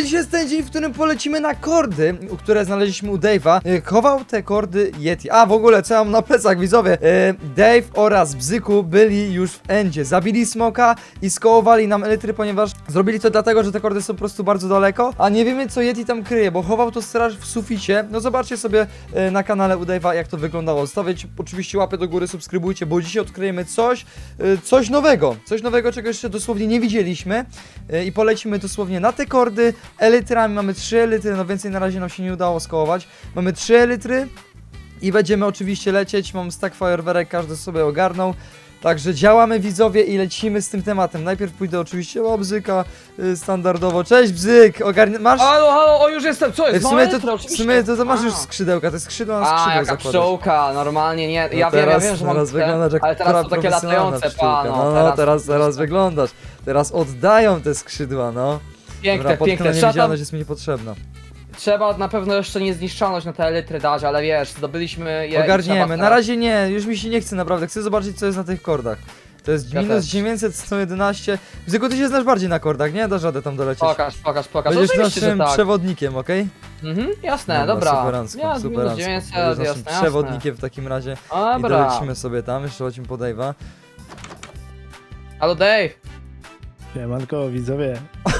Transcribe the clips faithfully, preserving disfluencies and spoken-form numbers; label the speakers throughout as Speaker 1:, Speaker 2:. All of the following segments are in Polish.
Speaker 1: Widzowie, dzisiaj jest ten dzień, w którym polecimy na kordy, które znaleźliśmy u Dave'a. E, Chował te kordy Yeti. A, w ogóle, co ja mam na plecach, widzowie? E, Dave oraz Bzyku byli już w endzie. Zabili smoka i skołowali nam elitry, ponieważ zrobili to dlatego, że te kordy są po prostu bardzo daleko, a nie wiemy, co Yeti tam kryje, bo chował to straż w suficie. No zobaczcie sobie e, na kanale u Dave'a, jak to wyglądało. Stawiać oczywiście łapę do góry, subskrybujcie, bo dzisiaj odkryjemy coś, e, coś nowego. Coś nowego, czego jeszcze dosłownie nie widzieliśmy. E, I polecimy dosłownie na te kordy elitrami. Mamy trzy elitry, no więcej na razie nam się nie udało skołować. Mamy trzy elitry i będziemy oczywiście lecieć. Mam stack fajerwerek, każdy sobie ogarnął. Także działamy, widzowie, i lecimy z tym tematem. Najpierw pójdę oczywiście o Bzyka y, standardowo. Cześć, Bzyk! Ogarnia... Masz?
Speaker 2: Halo, halo, o już jestem, co jest?
Speaker 1: W sumie,
Speaker 2: Małe
Speaker 1: to,
Speaker 2: litro,
Speaker 1: w sumie to, to masz
Speaker 2: A.
Speaker 1: już skrzydełka, te skrzydła na
Speaker 2: A,
Speaker 1: skrzydeł
Speaker 2: jaka
Speaker 1: zakładasz.
Speaker 2: pszczółka, normalnie nie,
Speaker 1: No
Speaker 2: ja wiem, ja
Speaker 1: teraz,
Speaker 2: wiem, że mam
Speaker 1: teraz
Speaker 2: te,
Speaker 1: wyglądasz jak
Speaker 2: ale teraz są takie
Speaker 1: profesjonalna
Speaker 2: latające,
Speaker 1: pszczółka.
Speaker 2: pano.
Speaker 1: No, no, teraz, teraz wyglądasz. Teraz oddają te skrzydła, no.
Speaker 2: Piękne,
Speaker 1: Dobra,
Speaker 2: piękne,
Speaker 1: potknę
Speaker 2: trzeba, tam,
Speaker 1: niewidzialność jest mi niepotrzebna.
Speaker 2: trzeba na pewno jeszcze niezniszczalność na te elitry dać, ale wiesz, zdobyliśmy je i
Speaker 1: Ogarniemy,
Speaker 2: trzeba
Speaker 1: na razie nie, już mi się nie chce naprawdę, chcę zobaczyć, co jest na tych kordach. To jest
Speaker 2: Ja
Speaker 1: minus
Speaker 2: też.
Speaker 1: dziewięćset sto jedenaście. Bzyku, ty się znasz bardziej na kordach, nie? Dasz radę tam dolecieć.
Speaker 2: Pokaż, pokaż, pokaż,
Speaker 1: Będziesz
Speaker 2: oczywiście,
Speaker 1: naszym
Speaker 2: że tak.
Speaker 1: przewodnikiem, okej?
Speaker 2: Mhm, jasne, dobra.
Speaker 1: Superancko,
Speaker 2: Ja, minus
Speaker 1: superancko.
Speaker 2: dziewięćset,
Speaker 1: Będziesz
Speaker 2: jasne,
Speaker 1: naszym
Speaker 2: jasne.
Speaker 1: przewodnikiem w takim razie. I
Speaker 2: Dobra.
Speaker 1: dolecimy sobie tam, jeszcze lecimy po Dave'a.
Speaker 2: Halo Dave.
Speaker 3: Siemanko, widzowie.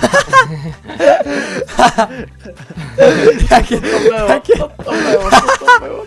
Speaker 1: Jakie,
Speaker 2: To było,
Speaker 1: jakie,
Speaker 2: to było, to było.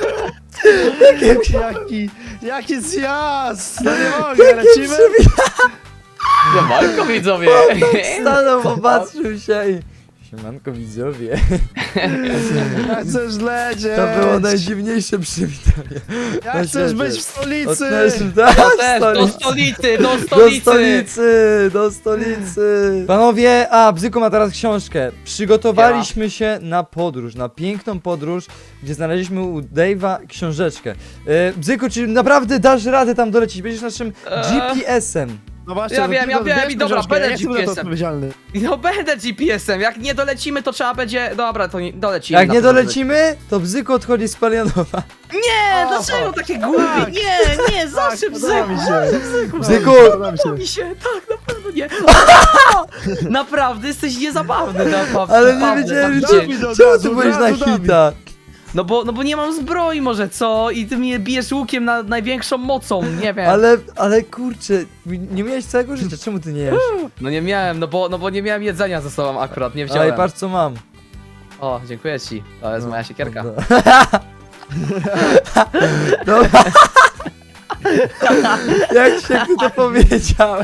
Speaker 3: Jaki, jaki zjazd! No nie mogę, lecimy?
Speaker 2: Siemanko, widzowie.
Speaker 1: stanął, popatrzył się i... Siemanko, widzowie.
Speaker 3: Ja chcesz lecieć!
Speaker 1: To było najdziwniejsze przywitanie.
Speaker 3: Ja
Speaker 1: na
Speaker 3: chcesz
Speaker 1: świecie.
Speaker 3: być w stolicy!
Speaker 1: Odnaleźliśmy- tak,
Speaker 2: Ja też, do
Speaker 1: stolicy.
Speaker 2: stolicy, do
Speaker 1: Do
Speaker 2: stolicy.
Speaker 1: stolicy, do stolicy. Panowie, a Bzyku ma teraz książkę. Przygotowaliśmy się na podróż, na piękną podróż, gdzie znaleźliśmy u Dave'a książeczkę. E, Bzyku, czy naprawdę dasz radę tam dolecieć? Będziesz naszym G P S-em.
Speaker 3: No właśnie,
Speaker 2: Ja
Speaker 3: no
Speaker 2: wiem,
Speaker 3: ty
Speaker 2: ja
Speaker 3: to
Speaker 2: wiem
Speaker 3: wiesz,
Speaker 2: i dobra,
Speaker 3: książkę,
Speaker 2: będę
Speaker 3: ja jestem za to
Speaker 2: G P S-em.
Speaker 3: odpowiedzialny.
Speaker 2: No będę G P S-em, jak nie dolecimy, to trzeba będzie... Dobra, to nie, dolecimy.
Speaker 1: Jak
Speaker 2: na
Speaker 1: nie
Speaker 2: pewno
Speaker 1: dolecimy, to Bzyku odchodzi z Palianowa.
Speaker 2: Nie,
Speaker 3: O,
Speaker 2: dlaczego
Speaker 3: o,
Speaker 2: takie głupie?
Speaker 3: tak.
Speaker 2: Nie, nie, zawsze
Speaker 3: Tak, podoba
Speaker 2: bzyku,
Speaker 3: mi się.
Speaker 2: zawsze bzyku.
Speaker 1: Bzyku!
Speaker 3: Podoba mi się.
Speaker 2: Mi się, tak, na pewno nie. Naprawdę, jesteś niezabawny, naprawdę.
Speaker 1: Ale nie
Speaker 2: naprawdę,
Speaker 1: wiedziałem,
Speaker 2: tak
Speaker 1: że...
Speaker 2: dzień.
Speaker 3: do
Speaker 1: Czemu
Speaker 3: gazu,
Speaker 1: ty byłeś na
Speaker 3: gazu, Dawid.
Speaker 1: hita?
Speaker 2: No bo, no bo nie mam zbroi może, co? I ty mnie bijesz łukiem na największą mocą, nie wiem.
Speaker 1: Ale, ale kurczę, nie miałeś całego życia, czemu ty nie jesz?
Speaker 2: No nie miałem, no bo, no bo nie miałem jedzenia ze sobą akurat, nie
Speaker 1: Ale
Speaker 2: wziąłem.
Speaker 1: patrz co mam.
Speaker 2: O, dziękuję ci, to jest
Speaker 1: No,
Speaker 2: moja siekierka.
Speaker 1: no. Dobra. Jak się ty to powiedziałeś?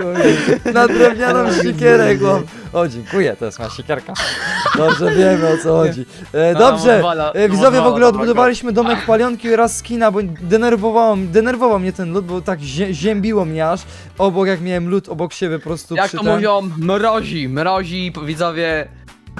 Speaker 1: Na drewnianą siekierę, chłop. O, dziękuję, to jest moja siekierka. Dobrze wiemy, o co chodzi. E, dobrze,
Speaker 2: odwala,
Speaker 1: e, widzowie, w
Speaker 2: odwala,
Speaker 1: ogóle
Speaker 2: dobra,
Speaker 1: odbudowaliśmy domek Palionki oraz skina, bo denerwowało, denerwował mnie ten lód, bo tak zie ziębiło mnie aż. Obok, jak miałem lód obok siebie po prostu
Speaker 2: Jak
Speaker 1: przy
Speaker 2: to
Speaker 1: ten-
Speaker 2: mówią, mrozi, mrozi, widzowie.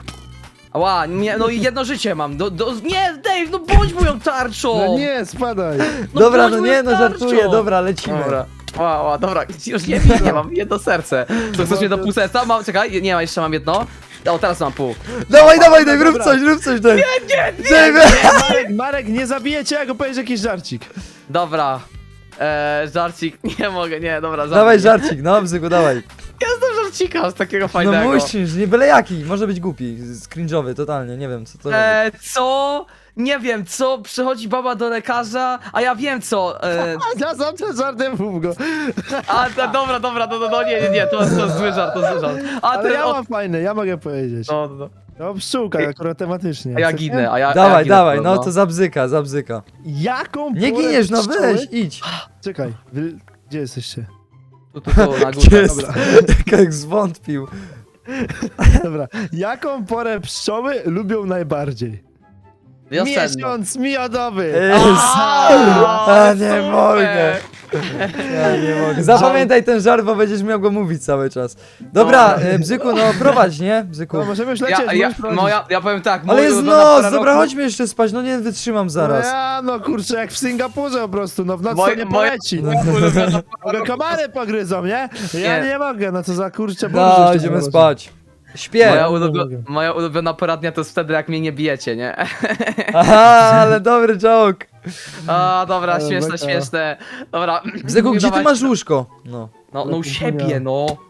Speaker 2: Ała, nie, no i jedno życie mam. Do, do, nie, Dave, no bądź moją tarczą!
Speaker 3: No nie, spadaj!
Speaker 2: No
Speaker 1: Dobra,
Speaker 2: bądź
Speaker 1: no
Speaker 2: moją
Speaker 1: nie, no
Speaker 2: tarczą!
Speaker 1: żartuję, dobra, lecimy.
Speaker 2: Dobra. Ła, ła, dobra, już nie widzę, mam jedno serce. Co, chcesz mnie do pół serca? Mam, czekaj, nie ma, jeszcze mam jedno. O, teraz mam pół.
Speaker 1: Dawaj, dawaj, Dave, rób
Speaker 3: Dobra.
Speaker 1: coś, rób coś, Dave.
Speaker 2: Nie, nie,
Speaker 1: Dave.
Speaker 3: Marek, Marek, nie zabijecie, jak opowiesz jakiś żarcik.
Speaker 2: Dobra. Eee, żarcik, nie mogę, nie, dobra,
Speaker 1: Dawaj
Speaker 2: żarcik.
Speaker 1: żarcik, no, Bzyku, dawaj.
Speaker 2: Ja znam żarcika z takiego
Speaker 1: No
Speaker 2: fajnego.
Speaker 1: musisz, nie byle jaki, może być głupi, cringe'owy, totalnie, nie wiem co to robi.
Speaker 2: Eee, co? Nie wiem, co? Przychodzi baba do lekarza, a ja wiem co. Eee,
Speaker 3: Ja sam ten żartem mów go.
Speaker 2: a, ta, dobra, dobra, no, no, no, nie, nie, nie, to, to jest zły żart, to jest zły żart. A
Speaker 3: Ale
Speaker 2: ty,
Speaker 3: ja
Speaker 2: o,
Speaker 3: mam fajne, ja mogę powiedzieć.
Speaker 2: no, no.
Speaker 3: No pszczółka, akurat tematycznie.
Speaker 2: A ja
Speaker 3: Chcecie?
Speaker 2: ginę, a ja a ja
Speaker 1: Dawaj,
Speaker 2: ginę,
Speaker 1: dawaj, no to zabzyka, zabzyka.
Speaker 3: Jaką
Speaker 1: Nie
Speaker 3: porę
Speaker 1: giniesz, no
Speaker 3: pszczoły-
Speaker 1: weź, idź.
Speaker 3: Czekaj, wy... gdzie jesteście?
Speaker 2: Tu, tu, tu, na
Speaker 1: Gdzie
Speaker 2: górze.
Speaker 1: jest? Jak zwątpił.
Speaker 3: Dobra. Jaką porę pszczoły lubią najbardziej?
Speaker 2: Wiosenno.
Speaker 3: Miesiąc miodowy!
Speaker 1: Jest.
Speaker 2: A,
Speaker 1: A nie
Speaker 2: super.
Speaker 1: mogę. Ja nie mogę. Zapamiętaj ten żart, bo będziesz miał go mówić cały czas. Dobra,
Speaker 2: Dobra.
Speaker 1: e, Bzyku, no prowadź, nie? Bzyku.
Speaker 3: No możemy już lecieć,
Speaker 2: Ja, ja,
Speaker 3: możesz prowadzić.
Speaker 2: moja, ja powiem tak,
Speaker 1: Ale
Speaker 2: moja
Speaker 1: jest
Speaker 2: ulubiona
Speaker 1: noc,
Speaker 2: pora
Speaker 1: dobra,
Speaker 2: roku-
Speaker 1: chodźmy jeszcze spać, no nie wytrzymam zaraz.
Speaker 3: No ja, no kurczę, jak w Singapurze po prostu, no w nocy
Speaker 2: Moje-
Speaker 3: to nie
Speaker 2: moje-
Speaker 3: poleci.
Speaker 2: moja ulubiona pora
Speaker 3: Mogę
Speaker 2: roku-
Speaker 3: komary pogryzą, nie? Ja
Speaker 2: Nie.
Speaker 3: nie mogę, no co za kurczę
Speaker 1: No,
Speaker 3: burzysz
Speaker 1: idziemy
Speaker 3: teraz.
Speaker 1: spać. Śpię.
Speaker 2: Moja,
Speaker 3: nie
Speaker 2: ulubio
Speaker 3: mogę.
Speaker 2: moja ulubiona pora dnia to jest wtedy, jak mnie nie bijecie, nie?
Speaker 1: Aha, ale dobry joke.
Speaker 2: A, dobra,
Speaker 3: Ale
Speaker 2: śmieszne,
Speaker 3: beka.
Speaker 2: śmieszne. Dobra.
Speaker 1: Bzyku, gdzie ty
Speaker 2: dawaj-
Speaker 1: masz łóżko? No.
Speaker 2: No, no u siebie, no.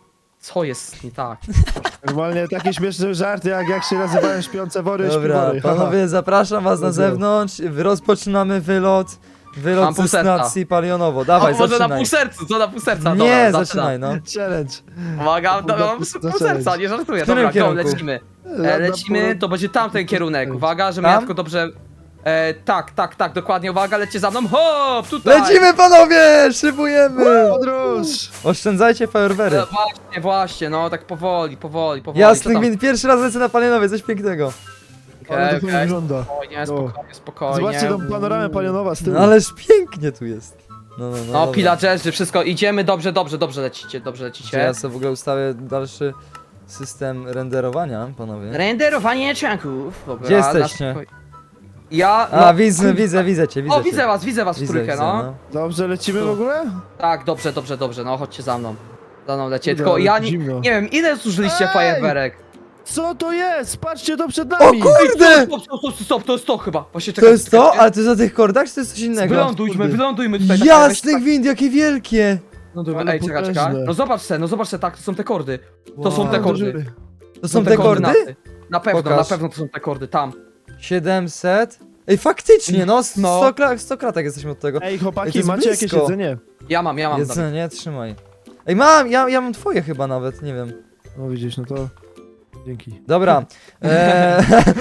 Speaker 2: Co jest nie tak?
Speaker 3: Normalnie taki śmieszny żart, jak, jak się nazywają śpiące wory,
Speaker 1: Dobra,
Speaker 3: śpiwory. haha.
Speaker 1: panowie, zapraszam was na
Speaker 3: Dobra.
Speaker 1: zewnątrz. Rozpoczynamy wylot.
Speaker 2: Mam
Speaker 1: Wylot
Speaker 2: pół
Speaker 1: ze
Speaker 2: serca.
Speaker 1: stacji palionowo. Dawaj,
Speaker 2: O, może na
Speaker 1: zaczynaj.
Speaker 2: pół sercu, co na pół serca?
Speaker 1: Nie,
Speaker 2: Dobra,
Speaker 1: zaczynaj, no.
Speaker 3: Challenge.
Speaker 2: Uwaga,
Speaker 3: Dobra,
Speaker 2: dobra, mam
Speaker 3: to
Speaker 2: pół
Speaker 3: challenge.
Speaker 2: serca, nie żartuję.
Speaker 1: W którym
Speaker 2: Dobra, go,
Speaker 1: kierunku?
Speaker 2: lecimy.
Speaker 3: Na-
Speaker 2: E,
Speaker 3: na
Speaker 2: lecimy,
Speaker 3: pół-
Speaker 2: to będzie tamten kierunek. Uwaga, żebym
Speaker 1: Tam?
Speaker 2: ja tylko dobrze... E, tak, tak, tak, dokładnie, uwaga, lecie za mną, hop, tutaj!
Speaker 1: Lecimy, panowie! Szybujemy!
Speaker 3: Podróż!
Speaker 1: Oszczędzajcie fajerwery.
Speaker 2: E, właśnie, właśnie, no tak powoli, powoli, powoli.
Speaker 1: Jasny
Speaker 2: co tam?
Speaker 1: gwint, pierwszy raz lecę na palionowie, coś pięknego.
Speaker 3: Ale
Speaker 2: Okej,
Speaker 3: to
Speaker 2: okej,
Speaker 3: wygląda.
Speaker 2: spokojnie,
Speaker 3: No.
Speaker 2: spokojnie, spokojnie.
Speaker 3: Zobaczcie tą panoramę palionowa z tyłu.
Speaker 1: No ależ pięknie tu jest. No, no, no.
Speaker 2: No,
Speaker 1: dobra.
Speaker 2: pillagerzy, wszystko, idziemy, dobrze, dobrze, dobrze lecicie, dobrze
Speaker 1: Czy
Speaker 2: lecicie.
Speaker 1: ja sobie w ogóle ustawię dalszy system renderowania, panowie?
Speaker 2: Renderowanie czanków, dobra.
Speaker 1: Gdzie
Speaker 2: na
Speaker 1: jesteście?
Speaker 2: spokoj- Ja,
Speaker 1: A,
Speaker 2: no,
Speaker 1: widzę,
Speaker 2: kurwa.
Speaker 1: widzę, widzę cię, widzę
Speaker 2: O,
Speaker 1: cię.
Speaker 2: widzę was, widzę was w
Speaker 1: Widzę,
Speaker 2: trójkę,
Speaker 1: widzę,
Speaker 2: no.
Speaker 3: Dobrze, lecimy w ogóle?
Speaker 2: Tak, dobrze, dobrze, dobrze, no chodźcie za mną. Za mną lecie,
Speaker 3: Kurde,
Speaker 2: tylko
Speaker 3: ale
Speaker 2: ja nie,
Speaker 3: zimno.
Speaker 2: nie wiem, ile zużyliście
Speaker 3: Ej!
Speaker 2: fajerwerek?
Speaker 3: Co to jest? Patrzcie, to przed
Speaker 1: O
Speaker 3: nami!
Speaker 1: kurde!
Speaker 2: Stop, stop, stop, stop, to jest to chyba. Właśnie
Speaker 1: To
Speaker 2: czekajcie,
Speaker 1: jest to?
Speaker 2: czekajcie.
Speaker 1: Ale to jest na tych kordach, czy to jest coś innego?
Speaker 2: Wylądujmy,
Speaker 3: Kurde.
Speaker 2: wylądujmy tutaj. tak,
Speaker 1: Jasny
Speaker 2: tak,
Speaker 1: gwint, jakie wielkie!
Speaker 2: Wylądujmy,
Speaker 3: Ale
Speaker 2: ej, czekaj, czekaj.
Speaker 3: potężne.
Speaker 2: No zobacz se, no zobacz se, tak, to są te kordy. To są
Speaker 1: Wow.
Speaker 2: te
Speaker 3: Do
Speaker 2: kordy.
Speaker 3: dziury.
Speaker 1: To są te kordy?
Speaker 2: koordynaty. Na pewno,
Speaker 1: Pokaż.
Speaker 2: na pewno to są te kordy, tam.
Speaker 1: siedemset? Ej, faktycznie, no,
Speaker 2: No.
Speaker 1: sto, kla- sto kratek jesteśmy od tego.
Speaker 3: Ej,
Speaker 1: Ej, to
Speaker 3: chłopaki,
Speaker 1: jest
Speaker 3: macie jakieś
Speaker 1: blisko.
Speaker 3: jedzenie?
Speaker 2: Ja mam, ja mam. Dawid.
Speaker 1: Jedzenie, trzymaj. Ej, mam, ja, ja mam twoje chyba nawet, nie wiem.
Speaker 3: No widzisz, no to... Dzięki.
Speaker 1: Dobra. Eee,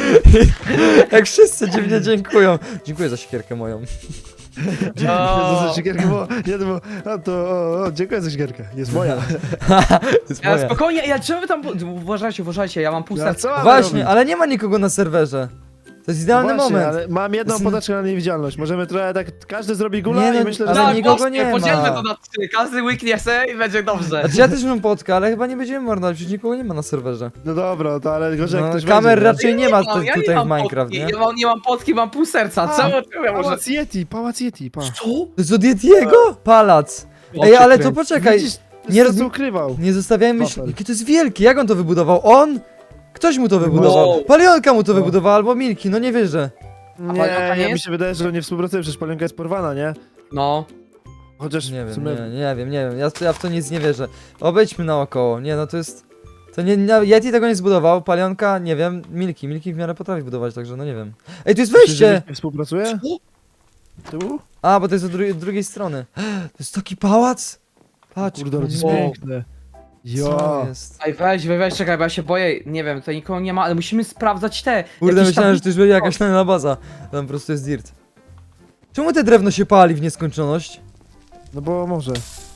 Speaker 1: jak wszyscy dziwnie dziękują. Dziękuję za siekierkę moją.
Speaker 3: Dzięki
Speaker 2: O.
Speaker 3: za siekierkę, bo... Nie, no bo... A to... O, o, dziękuję za siekierkę. Jest moja.
Speaker 1: Jest
Speaker 2: Ja,
Speaker 1: moja.
Speaker 2: spokojnie, ja czemu wy tam... Uważajcie, uważajcie, ja mam pół
Speaker 3: Ja
Speaker 2: serca.
Speaker 3: co mamy
Speaker 1: Właśnie,
Speaker 3: robić?
Speaker 1: ale nie ma nikogo na serwerze. To jest idealny
Speaker 3: Właśnie,
Speaker 1: moment.
Speaker 3: ale mam jedną
Speaker 1: Jest-
Speaker 3: podaczkę na niewidzialność. Możemy trochę tak... Każdy zrobi gula
Speaker 1: Nie, no,
Speaker 3: i myślę, że...
Speaker 1: ale
Speaker 2: Tak,
Speaker 1: nikogo
Speaker 2: właśnie,
Speaker 1: nie ma.
Speaker 2: podzielmy to na trzy, każdy łyknie se i będzie dobrze.
Speaker 1: Znaczy ja też mam podkę, ale chyba nie będziemy marnować, przecież nikogo nie ma na serwerze.
Speaker 3: No dobra, to ale gorzej jak
Speaker 1: No,
Speaker 3: ktoś
Speaker 1: kamer
Speaker 3: będzie,
Speaker 1: raczej nie ma tu-
Speaker 2: ja
Speaker 1: tutaj
Speaker 2: mam
Speaker 1: w Minecraft,
Speaker 2: potki,
Speaker 1: nie?
Speaker 2: Ja mam, nie mam potki, mam pół serca,
Speaker 3: A,
Speaker 2: czemu czemu ja może...
Speaker 3: Pałac Yeti, pałac Yeti, pa.
Speaker 2: Co?
Speaker 1: To jest od Yetiego? Palac.
Speaker 2: O,
Speaker 1: Ej,
Speaker 2: cię
Speaker 1: ale to
Speaker 2: kręci.
Speaker 1: poczekaj.
Speaker 3: Widzisz,
Speaker 1: nie
Speaker 3: nie
Speaker 1: roz-
Speaker 3: roz... ukrywał.
Speaker 1: Nie zostawiajmy myśli.
Speaker 3: Wafel.
Speaker 1: Jakie to jest wielkie, jak on to wybudował? On? Ktoś mu to wybudował.
Speaker 2: Wow.
Speaker 1: Palionka mu to
Speaker 3: No.
Speaker 1: wybudowała, albo Milki, no nie wierzę.
Speaker 3: Nie,
Speaker 2: Palionka nie
Speaker 3: ja mi
Speaker 2: jest?
Speaker 3: się wydaje, że nie współpracuje, przecież Palionka jest porwana, nie?
Speaker 2: No.
Speaker 3: Chociaż
Speaker 1: Nie
Speaker 3: w
Speaker 1: wiem,
Speaker 3: sumie...
Speaker 1: nie, nie wiem, nie wiem. Ja, ja w to nic nie wierzę. Obejdźmy naokoło. Nie, no to jest. To nie, nie Yeti tego nie zbudował, Palionka, nie wiem, Milki. Milki w miarę potrafi budować, także no nie wiem. Ej, tu jest
Speaker 3: Myślisz, że
Speaker 1: wejście!
Speaker 3: nie współpracuje? Tu?
Speaker 1: A, bo to jest od dru drugiej strony. To jest taki pałac? Patrz,
Speaker 3: Kurde, ale to jest
Speaker 2: Wow.
Speaker 3: piękne.
Speaker 1: co
Speaker 3: Ja.
Speaker 1: jest?
Speaker 2: Ej, weź, weź, weź, czekaj, bo ja się boję, nie wiem, tutaj nikogo nie ma, ale musimy sprawdzać te.
Speaker 1: Kurde,
Speaker 2: jakieś
Speaker 1: myślałem,
Speaker 2: tam-
Speaker 1: że to już będzie jakaś tajna baza. Tam po prostu jest dirt. Czemu te drewno się pali w nieskończoność?
Speaker 3: No bo może.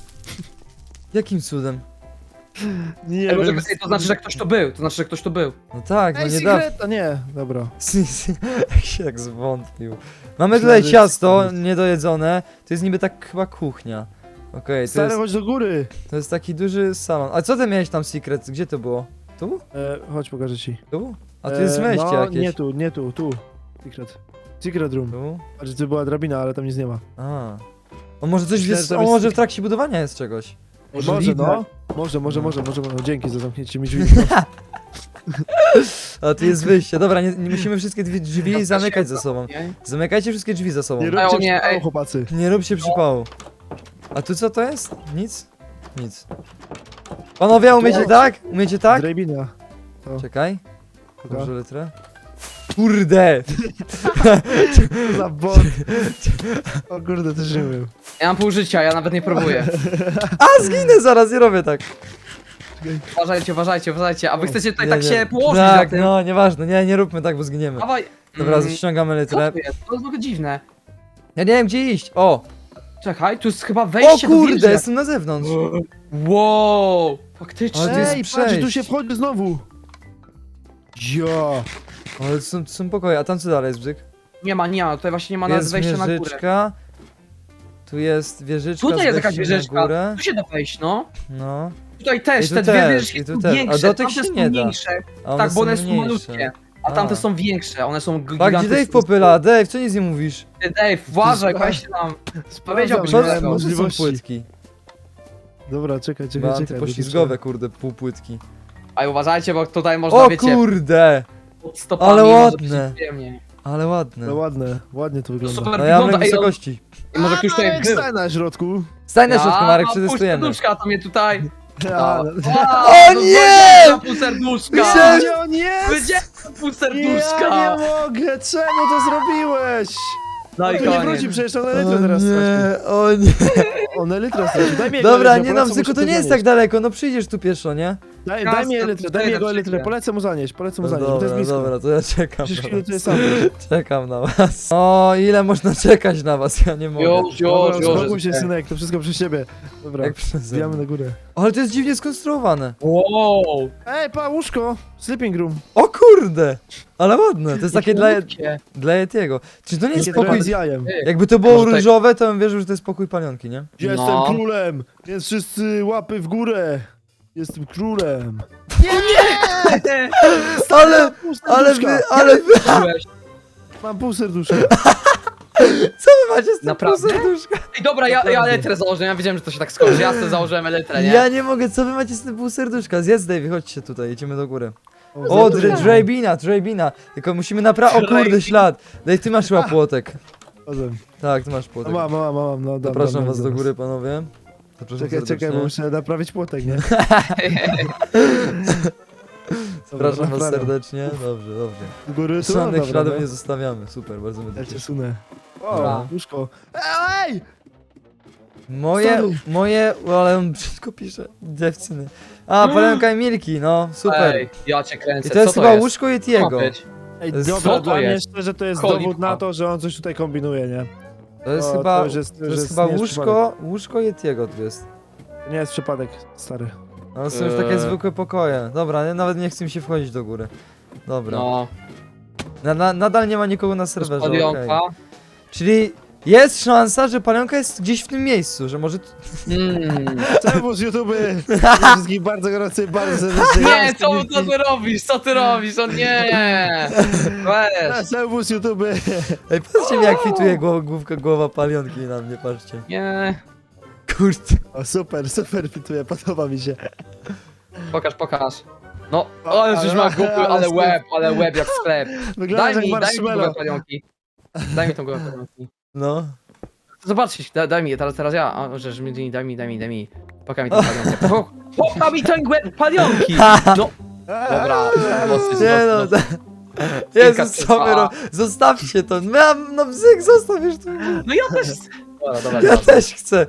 Speaker 1: Jakim cudem?
Speaker 3: Nie
Speaker 2: Ej, może,
Speaker 3: wiem.
Speaker 2: ej, to znaczy, że ktoś tu był, to znaczy, że ktoś tu był.
Speaker 1: No tak, no
Speaker 3: Ej,
Speaker 1: nie da.
Speaker 3: secret! A nie, dobra.
Speaker 1: Jak się jak zwątpił. Mamy
Speaker 3: Myślałem,
Speaker 1: tutaj
Speaker 3: że
Speaker 1: ciasto
Speaker 3: jest-
Speaker 1: niedojedzone. To jest niby tak chyba kuchnia. Okej, to,
Speaker 3: Stary,
Speaker 1: jest,
Speaker 3: chodź do góry.
Speaker 1: to jest taki duży salon. A co ty miałeś tam secret? Gdzie to było? Tu?
Speaker 3: E, chodź, pokażę ci.
Speaker 1: Tu? A tu jest
Speaker 3: E,
Speaker 1: wejście
Speaker 3: no,
Speaker 1: jakieś.
Speaker 3: nie tu, nie tu, tu. Secret. Secret room.
Speaker 1: Tu?
Speaker 3: Patrz, tu była drabina, ale tam nic nie ma.
Speaker 1: A. On może coś
Speaker 3: Myślałem,
Speaker 1: jest,
Speaker 3: że tam
Speaker 1: on
Speaker 3: jest
Speaker 1: może w
Speaker 3: secret.
Speaker 1: trakcie budowania jest czegoś.
Speaker 3: Może,
Speaker 2: Możliwe.
Speaker 3: no. Może, może,
Speaker 1: No.
Speaker 3: może, może, może. Dzięki za zamknięcie mi drzwi.
Speaker 1: A tu jest wyjście. Dobra, nie, nie musimy wszystkie drzwi, drzwi zamykać za sobą.
Speaker 2: Nie?
Speaker 1: Zamykajcie wszystkie drzwi za sobą.
Speaker 3: Nie
Speaker 2: Ej,
Speaker 3: róbcie
Speaker 2: o nie,
Speaker 3: przypału,
Speaker 2: ej.
Speaker 3: chłopacy.
Speaker 1: Nie róbcie przypału. A tu co to jest? Nic? Nic. Panowie, umiecie tak? Umiecie tak?
Speaker 3: Drabina.
Speaker 1: Czekaj.
Speaker 3: Dobra.
Speaker 1: Może litrę? Kurde!
Speaker 3: Co za bot. O kurde, też nie wiem.
Speaker 2: Ja mam pół życia, ja nawet nie próbuję.
Speaker 1: A, zginę zaraz, nie robię tak.
Speaker 2: Uważajcie, uważajcie, uważajcie, a wy chcecie tutaj
Speaker 1: Nie,
Speaker 2: tak
Speaker 1: nie.
Speaker 2: się położyć
Speaker 1: Tak,
Speaker 2: jak tym.
Speaker 1: no, nieważne, nie, nie róbmy tak, bo zginiemy.
Speaker 2: Dawaj.
Speaker 1: Dobra,
Speaker 2: Mm,
Speaker 1: ściągamy
Speaker 2: co
Speaker 1: litrę.
Speaker 2: to jest? To jest w ogóle dziwne.
Speaker 1: Ja nie wiem, gdzie iść. O!
Speaker 2: Czekaj, tu jest chyba
Speaker 1: O
Speaker 2: wejście do
Speaker 1: kurde,
Speaker 2: wieży.
Speaker 1: jestem na zewnątrz.
Speaker 2: Wow, faktycznie.
Speaker 1: Ale to jest
Speaker 3: Ej, patrz, tu
Speaker 1: przejść.
Speaker 3: się wchodzi znowu. Ja.
Speaker 1: Ale to są, to są pokoje, a tam co dalej jest, bzyk?
Speaker 2: Nie ma, nie ma, tutaj właśnie nie ma nawet
Speaker 1: Jest
Speaker 2: wejścia na górę.
Speaker 1: wieżyczka. Tu jest wieżyczka
Speaker 2: Tutaj
Speaker 1: z
Speaker 2: jest jakaś
Speaker 1: wejściem na
Speaker 2: wieżyczka,
Speaker 1: górę.
Speaker 2: tu się da wejść, no.
Speaker 1: No.
Speaker 2: Tutaj też,
Speaker 1: I tu
Speaker 2: te dwie
Speaker 1: też,
Speaker 2: wieżyczki
Speaker 1: i tu
Speaker 2: są
Speaker 1: też. A
Speaker 2: większe,
Speaker 1: do tych
Speaker 2: tamte
Speaker 1: się
Speaker 2: są
Speaker 1: nie da.
Speaker 2: mniejsze.
Speaker 1: A one
Speaker 2: Tak, bo one są
Speaker 1: mniejsze.
Speaker 2: malutkie. A
Speaker 1: A.
Speaker 2: tamte są większe, one są
Speaker 1: Tak,
Speaker 2: gigantyczne.
Speaker 1: gdzie Dave popyla? Dave, co nic nie mówisz?
Speaker 2: Ty, Dave, uważaj,
Speaker 3: Spra-
Speaker 2: weź tam.
Speaker 3: Sprawdzam,
Speaker 2: Powiedziałbyś
Speaker 3: że
Speaker 2: mi
Speaker 1: Co,
Speaker 3: miałem
Speaker 2: tego.
Speaker 1: może są
Speaker 3: możliwości.
Speaker 1: płytki?
Speaker 3: Dobra, czekaj, czekaj,
Speaker 1: Bo
Speaker 3: czekaj.
Speaker 1: antypoślizgowe, kurde, półpłytki.
Speaker 2: A uważajcie, bo tutaj można,
Speaker 1: O
Speaker 2: wiecie,
Speaker 1: kurde!
Speaker 2: pod stopami
Speaker 1: ale
Speaker 2: może
Speaker 1: ładne.
Speaker 2: być przyjemnie.
Speaker 1: Ale ładne.
Speaker 3: No ładne, ładnie to wygląda.
Speaker 2: Super
Speaker 1: No ja mam
Speaker 2: wygląda, ej, on-
Speaker 1: wysokości.
Speaker 2: I może ktoś tutaj
Speaker 3: Marek,
Speaker 2: był.
Speaker 3: stań na środku.
Speaker 1: Stań na środku, Marek,
Speaker 2: puść
Speaker 1: przetestujemy.
Speaker 2: poduszka, to mnie tutaj.
Speaker 3: A,
Speaker 2: No.
Speaker 3: no.
Speaker 2: A,
Speaker 1: O
Speaker 2: no
Speaker 1: nie!
Speaker 2: powiedziałem pół serduszka!
Speaker 1: Myślałem-
Speaker 3: Gdzie on jest?
Speaker 2: Powiedziałem pół
Speaker 3: Ja
Speaker 2: serduszka!
Speaker 3: nie mogę, czemu to zrobiłeś?
Speaker 2: No i
Speaker 3: Tu nie
Speaker 2: koniec.
Speaker 3: wróci, przecież on
Speaker 1: O
Speaker 3: elytrę teraz straci.
Speaker 1: nie, o nie.
Speaker 3: On elytrę straci, daj mi jego
Speaker 1: Dobra,
Speaker 3: elytrę,
Speaker 1: nie no,
Speaker 3: polecę mu
Speaker 1: Bzyku, to
Speaker 3: szybko
Speaker 1: nie jest tak
Speaker 3: zanieść.
Speaker 1: daleko, no przyjdziesz tu pieszo, nie?
Speaker 3: Daj,
Speaker 2: Jasne,
Speaker 3: daj mi
Speaker 2: to
Speaker 3: elytrę, daj
Speaker 2: tutaj
Speaker 3: mi jego
Speaker 2: na
Speaker 3: elytrę,
Speaker 2: szybkie.
Speaker 3: polecę mu zanieść, polecę mu
Speaker 1: No
Speaker 3: zanieść, bo to jest
Speaker 1: dobra,
Speaker 3: blisko.
Speaker 1: dobra, to ja czekam
Speaker 3: Przecież
Speaker 1: na
Speaker 3: chwilę
Speaker 1: was.
Speaker 3: tutaj sam.
Speaker 1: Czekam na was. O, ile można czekać na was, ja nie mogę.
Speaker 2: Już,
Speaker 3: Dobra,
Speaker 2: już,
Speaker 3: uspokój
Speaker 2: już.
Speaker 3: się, synek, to wszystko przez ciebie. Dobra,
Speaker 1: Jak przeze
Speaker 3: zbijamy
Speaker 1: mnie.
Speaker 3: na górę.
Speaker 1: Ale to jest dziwnie skonstruowane.
Speaker 2: Wow!
Speaker 3: Ej, pa, łóżko! Sleeping room.
Speaker 1: O kurde! Ale ładne, to jest takie dla,
Speaker 2: Malutkie.
Speaker 1: dla Yetiego. Czy to nie jest
Speaker 3: Takie
Speaker 1: spokój...
Speaker 3: trochę z jajem.
Speaker 2: Ty.
Speaker 1: Jakby to było
Speaker 2: Może tak-
Speaker 1: różowe, to bym wierzył, że to jest spokój palionki, nie?
Speaker 3: Jestem
Speaker 2: No.
Speaker 3: królem, więc wszyscy łapy w górę. Jestem królem.
Speaker 1: Ale,
Speaker 3: Pół
Speaker 1: ale
Speaker 3: serduszka.
Speaker 1: wy, ale wy,
Speaker 2: Byłeś.
Speaker 3: Mam pół serduszka.
Speaker 1: co wy macie z tym
Speaker 2: Naprawdę?
Speaker 1: półserduszka?
Speaker 2: Ej, dobra, ja, ja elytrę założę, ja wiedziałem, że to się tak skończy, ja sobie założyłem elytrę, nie?
Speaker 1: Ja nie mogę, co wy macie z tym półserduszka? Zjedz, Dave, chodźcie tutaj, jedziemy do góry. O,
Speaker 3: zjadłem.
Speaker 1: dre- drabina, drabina. Tylko musimy naprawić. O kurde,
Speaker 2: Drabina.
Speaker 1: ślad. Dave, ty masz chyba płotek.
Speaker 3: Chodzę.
Speaker 1: Tak, ty masz
Speaker 3: No
Speaker 1: płotek.
Speaker 3: mam, mam, mam, no dam,
Speaker 1: Zapraszam
Speaker 3: dam,
Speaker 1: was
Speaker 3: dam,
Speaker 1: do
Speaker 3: dam.
Speaker 1: góry, panowie. Zapraszam
Speaker 3: Czekaj, czekaj,
Speaker 1: serdecznie.
Speaker 3: bo muszę naprawić płotek, nie?
Speaker 1: Zapraszam was
Speaker 3: naprawiam.
Speaker 1: serdecznie. Dobrze, dobrze.
Speaker 3: Do góry, tu?
Speaker 1: Żadnych
Speaker 3: Dobra,
Speaker 1: śladów
Speaker 3: no.
Speaker 1: nie zostawiamy. Super, bardzo mnie to
Speaker 3: Ja cię
Speaker 1: cieszy.
Speaker 3: sunę.
Speaker 1: Dobra.
Speaker 3: O, łóżko. Ej!
Speaker 1: Moje,
Speaker 3: Sorry.
Speaker 1: moje, o, ale on brzydko pisze. Dziewczyny. A, palenka i Milki, no, super.
Speaker 2: Ej, ja cię kręcę,
Speaker 1: I to jest
Speaker 2: co
Speaker 1: chyba
Speaker 2: jest?
Speaker 1: łóżko
Speaker 2: Co ma
Speaker 1: Yetiego.
Speaker 2: być?
Speaker 3: Ej,
Speaker 1: Co
Speaker 3: dobra,
Speaker 2: to
Speaker 3: dla mnie
Speaker 2: jest?
Speaker 3: szczerze to jest
Speaker 2: Cholipka.
Speaker 3: dowód na to, że on coś tutaj kombinuje, nie?
Speaker 1: To jest
Speaker 3: O,
Speaker 1: chyba,
Speaker 3: to już jest- to
Speaker 1: to
Speaker 3: już
Speaker 1: jest
Speaker 3: jest-
Speaker 1: chyba
Speaker 3: nie jest
Speaker 1: łóżko, łóżko Yetiego tu jest.
Speaker 3: To nie jest przypadek, stary.
Speaker 1: No, to są już takie
Speaker 2: Eee.
Speaker 1: zwykłe pokoje. Dobra, nie, nawet nie chcę mi się wchodzić do góry. Dobra.
Speaker 2: No,
Speaker 1: Na, na, nadal nie ma nikogo na serwerze, okej.
Speaker 2: palionka.
Speaker 1: Czyli jest szansa, że palionka jest gdzieś w tym miejscu, że może... tu-
Speaker 2: Mm.
Speaker 3: Czemu z YouTube? Wszystkich bardzo gorący, bardzo serdecznie.
Speaker 2: Nie, co, co ty robisz, co ty robisz, o nie! Weź,
Speaker 3: Czemu z YouTube?
Speaker 1: Ej, patrzcie mi jak kwituje głowa, główka, głowa palionki na mnie, patrzcie.
Speaker 2: nie.
Speaker 1: Kurde.
Speaker 3: O, super, super fituje, podoba mi się.
Speaker 2: Pokaż, pokaż. No,
Speaker 3: O,
Speaker 2: ale żeś
Speaker 3: ale-
Speaker 2: ma głupy,
Speaker 3: ale
Speaker 2: ale
Speaker 3: sklep.
Speaker 2: łeb, ale łeb jak sklep.
Speaker 3: Wygląda
Speaker 2: Daj
Speaker 3: jak
Speaker 2: mi, daj mi tą głowę
Speaker 3: marshmallow.
Speaker 2: palionki. Daj mi tą głowę palionki.
Speaker 1: No.
Speaker 2: Zobaczcie, daj, daj mi, teraz, teraz ja. O, że, że mi, daj mi, daj mi, daj mi. Pokaż mi tą palionkę. Po- Pokaż mi tą głowę palionki! No, dobra, mocny,
Speaker 1: Nie no,
Speaker 2: mocno.
Speaker 1: da...
Speaker 2: Kilka
Speaker 1: Jezus, co wy
Speaker 2: trwa.
Speaker 1: ro... Zostawcie to. Mam, no bzyk, zostaw już to.
Speaker 2: No ja też. Dobra, dobra,
Speaker 1: Ja
Speaker 2: dobra.
Speaker 1: też chcę.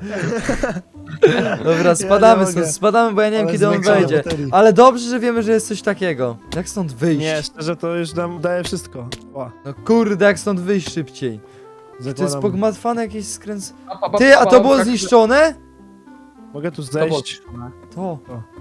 Speaker 1: Dobra, spadamy
Speaker 3: nie
Speaker 1: stąd,
Speaker 3: mogę.
Speaker 1: spadamy, bo ja nie wiem
Speaker 3: Ale
Speaker 1: kiedy on
Speaker 3: zwiększamy
Speaker 1: wejdzie.
Speaker 3: baterii.
Speaker 1: Ale dobrze, że wiemy, że jest coś takiego. Jak stąd wyjść?
Speaker 3: Nie, szczerze to już nam daje wszystko. O,
Speaker 1: No kurde, jak stąd wyjść szybciej? To jest
Speaker 3: zakładam.
Speaker 1: pogmatwane jakieś skręc...
Speaker 2: Pa, pa, pa,
Speaker 1: Ty, a
Speaker 2: pa,
Speaker 1: to było
Speaker 2: jak-
Speaker 1: zniszczone?
Speaker 3: Mogę tu
Speaker 2: To było
Speaker 3: zejść?
Speaker 2: zniszczone.
Speaker 1: To.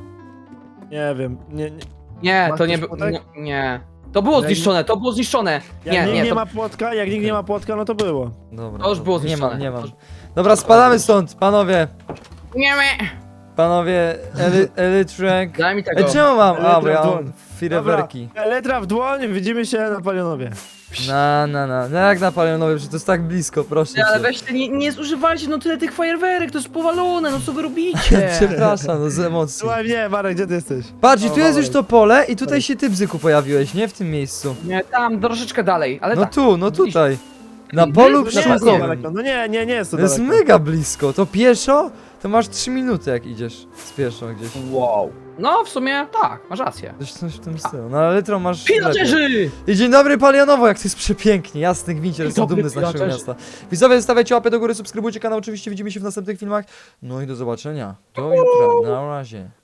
Speaker 3: Nie wiem, nie, nie.
Speaker 2: Nie,
Speaker 3: Masz
Speaker 2: to nie
Speaker 3: coś
Speaker 2: było.
Speaker 3: potek?
Speaker 2: Nie, nie. To było
Speaker 3: Jak-
Speaker 2: zniszczone, to było zniszczone.
Speaker 3: Jak
Speaker 2: Nie,
Speaker 3: nikt
Speaker 2: nie,
Speaker 3: nie
Speaker 2: to,
Speaker 3: ma płotka, jak nikt nie ma płotka, no to było.
Speaker 1: Dobra.
Speaker 2: to już było
Speaker 1: Nie
Speaker 2: zniszczone.
Speaker 1: mam, nie mam. Dobra, spadamy stąd, panowie.
Speaker 2: Nie, nie.
Speaker 1: Panowie, Eli Elytrek.
Speaker 2: Daj mi tego.
Speaker 1: Ej, czemu mam? A, bo
Speaker 3: Elytra
Speaker 1: ja
Speaker 3: w
Speaker 1: mam
Speaker 3: dłoń.
Speaker 1: firewerki.
Speaker 3: Letra w dłoń, widzimy się na Palionowie.
Speaker 1: Na, na, na. No jak na palionowie, że to jest tak blisko, proszę
Speaker 2: Nie, ale
Speaker 1: cię.
Speaker 2: weźcie, nie, nie zużywajcie no tyle tych fajerwerek, to jest powalone, no co wy robicie?
Speaker 1: Przepraszam, no z emocji.
Speaker 3: Słuchaj mnie, Marek, gdzie ty jesteś?
Speaker 1: Patrz, i
Speaker 3: O,
Speaker 1: tu jest
Speaker 3: Marek.
Speaker 1: już to pole i tutaj się ty, Bzyku, pojawiłeś, nie? W tym miejscu.
Speaker 2: Nie, tam troszeczkę dalej, ale
Speaker 1: No
Speaker 2: tak.
Speaker 1: tu, no tutaj. Na
Speaker 2: Nie,
Speaker 1: polu
Speaker 2: no nie
Speaker 3: Nie jest to
Speaker 1: pszczółkowym.
Speaker 3: daleko, no nie, nie, nie jest to
Speaker 1: To jest
Speaker 3: daleko.
Speaker 1: mega blisko. To pieszo, to masz trzy minuty jak idziesz z pieszo gdzieś.
Speaker 2: Wow. No w sumie tak, masz rację.
Speaker 1: Coś, coś w tym stylu. No ale litro masz... lepiej.
Speaker 2: Pillagerzy!
Speaker 1: I dzień dobry Palionowo, jak to jest przepięknie, jasny gwincie, jestem
Speaker 2: dobry,
Speaker 1: dumny z naszego
Speaker 2: pillagerzy.
Speaker 1: miasta. Widzowie, stawiajcie łapę do góry, subskrybujcie kanał, oczywiście widzimy się w następnych filmach. No i do zobaczenia. Do jutra, na razie.